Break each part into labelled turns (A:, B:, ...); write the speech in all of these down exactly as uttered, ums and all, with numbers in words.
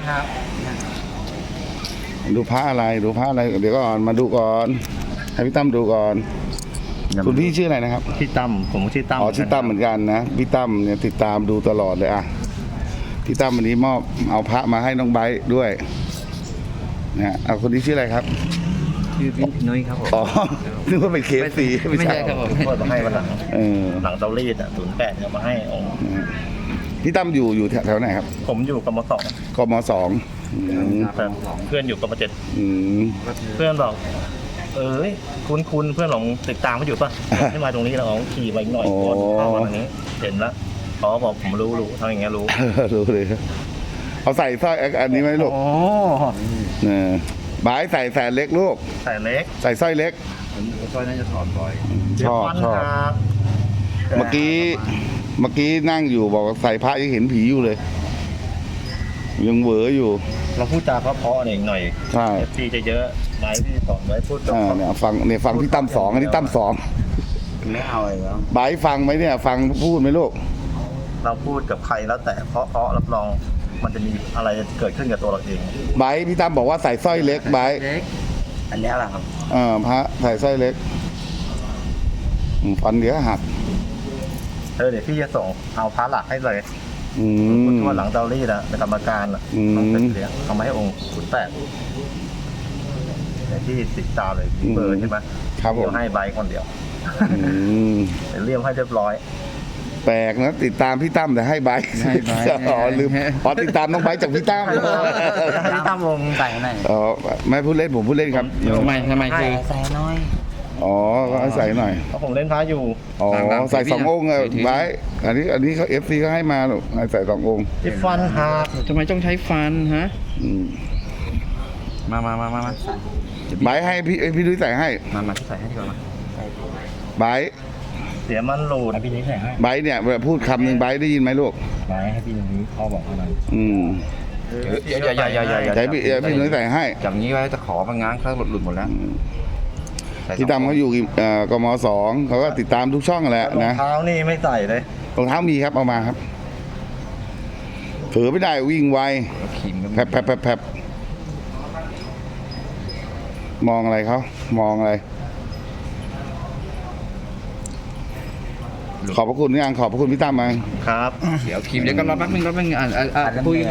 A: ครับ
B: ดูพระอะไรดูพระอะไรเดี๋ยวก่อนมาดูก่อนให้พี่ตั้มดูก่อนคุณพี่ชื่ออะไรนะครับ
A: พี่ตั้มผมชื่อตั้ม
B: อ๋อชื่อตั้มเหมือนกันนะพี่ตั้มเนี่ยติดตามดูตลอดเลยอ่ะพี่ตั้มวันนี้มอบเอาพระมาให้น้องไบร์ทด้วยนะเอาคนนี้ชื่ออะไรครับ
C: ชื่อพี่นุ้ยครับผม
B: อ๋อนึกว่าเป็นเคฟซี
C: ไม่ใช่ครับผม
A: เปิดมาให้วันหลัง
B: เออ
A: หลังเตารีดอ่ะศูนย์แปดเอามาให้องค์
B: พี่ตั้มอยู่อยู่แถวไหนครับ
A: ผมอยู่กมสอง
B: กมสองอืม
A: เพื่อนอยู่กมเจ็ด
B: อืม
A: เพื่อนบอกเอ้ยคุณคุณเพื่อนลองติดตามมาอยู่ป่ะให้มาตรงนี้แล้วเอาขี่ไปหน่อยก่อนเข้ามาตรงนี้เห็นแล้วเขาบอกผมรู้รู้ทำอย่างเงี้ยรู้
B: รู้เลยเอาใส่สร้อยอันนี้ไหมลูก
A: โอ้
B: เนี่ยบายใส่แสนเล็กลูก
A: ใส่เล็ก
B: ใส่สร้อยเล็ก
C: ซอยน่าจะถอนบ่อย
B: ชอบชอบ เมื่อกี้เมื่อกี้นั่งอยู่บอกว่าใส่พระยังเห็นผีอยู่เลย ยังเหวออยู่
A: เราพูดจาเพราะๆหน่อยหน่อย
B: ใช่
A: เอฟซีจะเยอะไว้พี่สอนไว้พูด
B: อ่าเนี่ยฟังเนี่ยฟังที่ตั้มสองอันนี้ตั้มสอง
C: ไม่เอาเลยแล้ว
B: บายฟังไหมเนี่ย ฟังพูดไหมลูก
A: เราพูดกับใครแล้วแต่เพราะเพราะรับรองมันจะมีอะไรเกิดขึ้นกับตัวเราเอง
B: บายพี่ตั้มบอกว่าใส่สร้อยเล็กบาย
C: เล็กอันนี้อะไรครับ
B: อ่าพระใส่สร้อยเล็กอืมฟันเดี๋ยวหัก
A: เออเดี๋ยวพี่จะส่งเอาพระหลักให้เลย
B: อืม
A: ทั่วหลังเตารีดนะในกรรมการอ่ะ
B: อืม
A: ต้องเป็นเลี้ยงเอามาให้องค์ขุนแปดเดี๋ยวที่ติดตามเลยที่เบอร์ใช่ไหม
B: ครับผม
A: เดี๋ยวให้ใบคนเดียว
B: อืม
A: เดี๋ยวเรียมให้เรียบร้อย
B: แปลกนะติดตามพี่ตั้มแต่ให้ใบค์
C: ให้ใบค์
B: อ๋อลืมอ๋อติดตามน้องใบค์จากพี่ตั้ม
C: พี่ตั้มวงใส่ไหน
B: อ๋อไม่พูดเล่นผมพูดเล่นครับ
C: ทำไมทำไมคือ
D: ใส่น้อย
B: อ๋อก็ให้ใส่หน่อย
A: เพราะผมเล่นพระอยู่
B: อ๋อ
C: ต่างๆ
B: ใส่สององค์อะ
C: ถือ
B: ไบค์อันนี้อันนี้เขาเอฟซีเขาให้มาลูกให้ใส่สององค์
A: ที่ฟันหัก
C: ทำไมต้องใช้ฟันฮะ
B: อืม
C: มามามามามา
B: ไบค์ให้พี่พี่ดุ้ยใส่ให้
C: มามาใส่ให้ดีกว่ามา
B: ไบค์
A: เสียมันหลุดให้พี่นี้ใส่ให้
B: ไบค์เนี่ยเวลาพูดคำหนึ่งไบค์ได้ยินไหมลูก
A: ไว้ให้พี่นี้พ่อบอกเท่านั้น
B: อืม
C: อย่าอย่าอย่าอย่าอย่า
B: ใช้พี่เอ่อพี่ดุ้ยใส่ให้
C: จับงี้ไว้จะขอมันง้างเครื่องหลุดหลุดหมดแล้ว
B: พี่ตั้มเขาอยู่เอ่อกมสองเขาก็ติดตามทุกช่องแหละ
A: รอง
B: นะ
A: เท้านี่ไม่ใส่เลย
B: รองเท้ามีครับเอามาครับเผลอไม่ได้วิ่งไว
C: ขีมก็
B: แผลบแผลบแผลบแผลบมองอะไรเขามองอะไร ขอบพระคุณยังขอบพระคุณพี่ตั้มมา
A: ครับ
C: เดี๋ยวขีมเดี๋ยวก็รอแป๊บนึงรอแป๊บนึงอ่านอ่านอ่านคุยกัน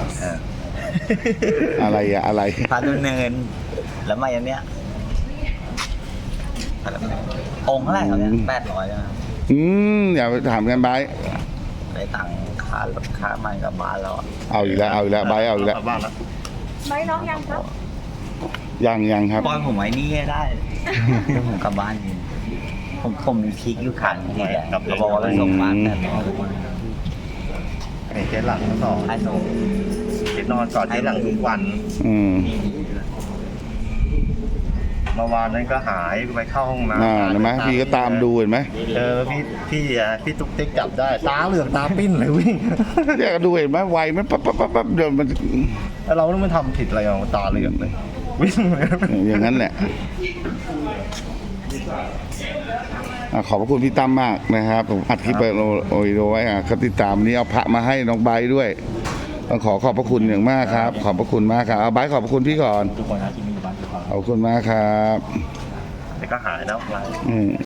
B: อะไรอะอะไร
D: พาดำเนิน แล้วมาอย่างเนี้ยพาดำเนินองค์เท่าไหร่ครับเนี่ยแปดร้อยนะ
B: อืมอย่าไปถามกันไบร์ท
D: ได้ตังค่ารถค่ามันกับบ้านแล้วอะ
B: เอาอีกแล้วเอาอีกแล้วไบร์ทเอาอีกแล้ว
A: บ้านแล้ว
E: ไม่น้องยังครับ
B: ยังยังครับ
D: ปล่อยผมไว้นี่ได้เดี๋ยวผมกลับบ้านเองผมผมมีพริกอยู่ขันที่แหละเขาบอกว่าไปส่งบ้านแต่รอ
A: ไอ้เจ๊หลังทั้งสอง
D: ให้ส่ง
A: เจ๊นอนกอดเจ๊หลังทุกวัน
B: อืม
A: เมื่อวานนั้นก็หายไปเข้าห้องน้ำ
B: อ่าเห็นไหมพี่ก็ตามดูเห็นไหม
A: เจอพี่พี่อ่ะพี่ตุ๊กติ๊กจับได้ตาเหลือกตาปิ้นเลยวิ่ง
B: เนี่ยก็ดูเห็นไหมไวมันปั๊บปั๊บปั๊บปั๊บเดี๋ยวมัน
A: แล้วเราต้องไม่ทำผิดอะไรอ่ะตาเหลือกเลยวิ่งเลย
B: อย่างนั้นแหละอ่ะขอบพระคุณพี่ตั้มมากนะครับผมอัดคลิปไปโอโอวิดีโอไว้อ่ะเขาติดตามนี้เอาพระมาให้น้องไบร์ทด้วยต้องขอขอบพระคุณอย่างมากครับ ขอบพระคุณมากครับเอาไบร์ทขอบพระคุณพี่ก่อน
A: ทุกคนนะที่มีอยู่บ้านทุกคน
B: ขอบคุณมากครับ
A: แต่ก็หายแล้ว
B: อืม